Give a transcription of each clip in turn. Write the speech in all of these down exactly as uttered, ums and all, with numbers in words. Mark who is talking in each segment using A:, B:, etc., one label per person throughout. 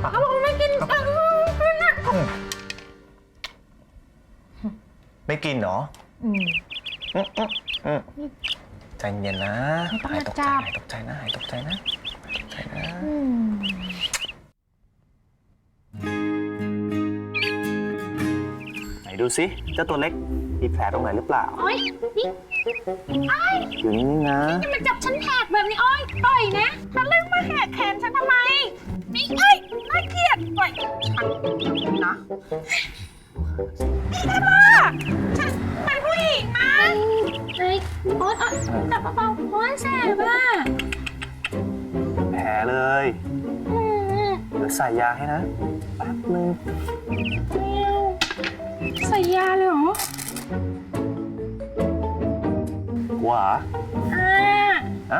A: เขาบอกไม่กินตังนะ
B: ไม่กินเหรอ
A: อืม
B: อืมใจเย็นนะหายตกใจหายตกใจนะหายตกใจนะตกใจนะไหนดูสิเจ้าตัวเล็กมีแผลตรงไหนหรือเปล่า
A: โอ๊ยนี่ไอ้
B: อยู่นิ่งๆนะ
A: นี่มันจับฉันแหกแบบนี้โอ๊ยปล่อยนะทะลึ่งมาแหกแขนฉันทำไมนี่เอ้ยน่าเกลียดปล่อยฉันนะนี่นะฉันเป็นผู้หญิงนะไอ้โอ๊ยจับเบาๆโอ๊ยแสบอ่ะ
B: แผลเลยเดี๋ยวใส่ยาให้นะแป๊บนึง
A: ใส่ยาเลยเหรอ
B: กลัวเหรอ
A: อ่า
B: ฮะ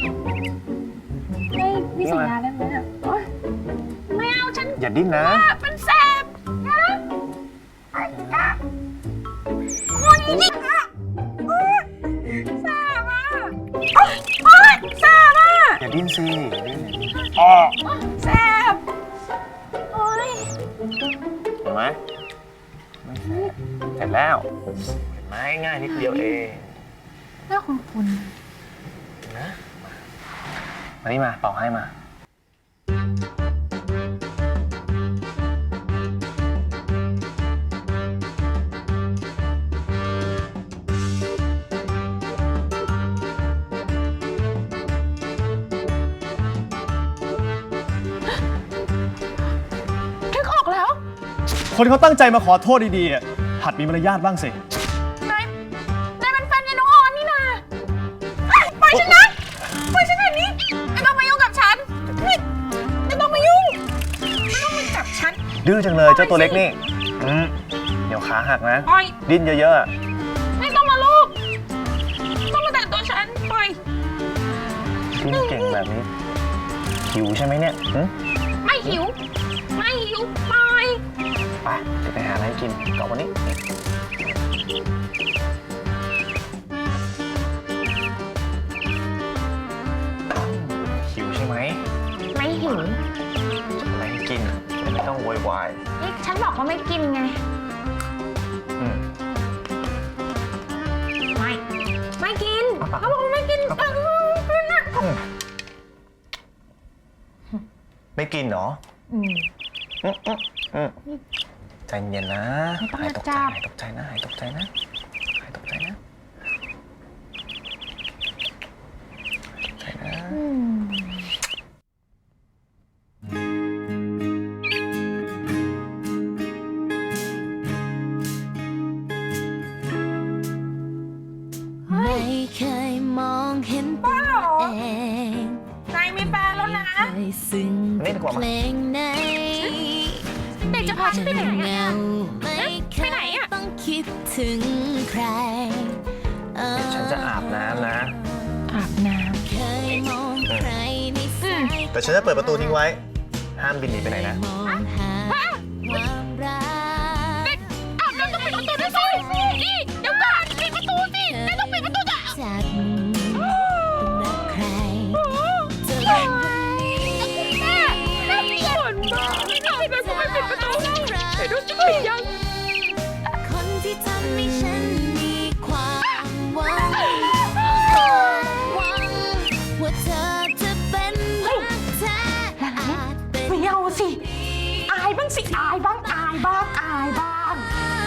A: ไม่ไม่ใส่ยาได้ไหมอ่ะไม่เอาฉัน
B: อย่าดิ้นนะ
A: มันแสบนะไอ้ยาโอ้ยนี่อ่ะแสบอ่ะโอ๊ยแสบอ่ะ
B: อย่าดิ้นสิอย่าดิ้นอ๋อ
A: แสบโอ๊ย
B: เห็นไหมเสร็จแล้วเห็นไหมง่ายนิดเดียวเอง
A: น่าคุ้น
B: ๆนะมานี่มาเป่าให้มา
A: นึกออกแล้ว
C: คนเขาตั้งใจมาขอโทษดีๆหัดมีมารยาทบ้างสิ
A: นายนายเป็นแฟนยายน้องออนนี่นาปล่อยฉันนะปล่อยฉันแบบนี้ไม่ต้องมายุ่งกับฉันนี่ไม่ต้องมายุ่งไม่ต้องมาจับฉัน
B: ดื้อจังเลยเจ้าตัวเล็กนี่อืมเดี๋ยวขาหักนะดิ้นเยอะ
A: ๆไม่ต้องมาลูกต้องมาแตะตัวฉันปล่อย
B: ดิ้นเก่งแบบนี้หิวใช่ไหมเนี่ย
A: ไม่หิวไม่หิวปล่อย
B: ไปจะไปหาอะไรกินก่อนวันนี้หิวใช่ไหม
A: ไม่หิว
B: จะอะไรให้กินไม่ต้องโวยวาย
A: นี่ฉันบอกว่าไม่กินไงไม่ไม่กินเขาบอกว่าไม่กินตังนะ
B: ไม่กินเหรอ
A: อืม
B: ใจเย็นนะหายตกใจหายตกใจนะหายตกใจนะหายตกใจนะใจนะ
D: ไม่เคยมองเห็นตัวเอง
A: นายมีแฟนแล้วนะ
D: ซึ่งเพลงไหน
A: เด็กจะพาฉันไปไหนอ่ะไปไหนอ่ะ
D: ต้องคิดถึงใคร
B: ฉันจะอาบน้ำนะ
A: อาบน้ำ
D: เคยมองใครในสาย
B: แต่ฉันจะเปิดประตูทิ้งไว้ห้ามบินหนีไปไหนนะ
A: อาบน้ำต้องปิดประตูด้วยสินี่เดี๋ยวก่อนปิดประตูสินายต้องปิดประตูจ้ะ
D: จากรักใครจะลง
A: แม่แม่เขียนมาไม่ได้เลยทำไมปิดประตูแต่ดูจะปิดยัง
D: คนที่ทำให้ฉันมีความหวังหวังว่าเธอจะเป็นรักแท้
A: ไม่เอาสิอายบ้างสิอายบ้างอายบ้างอายบ้าง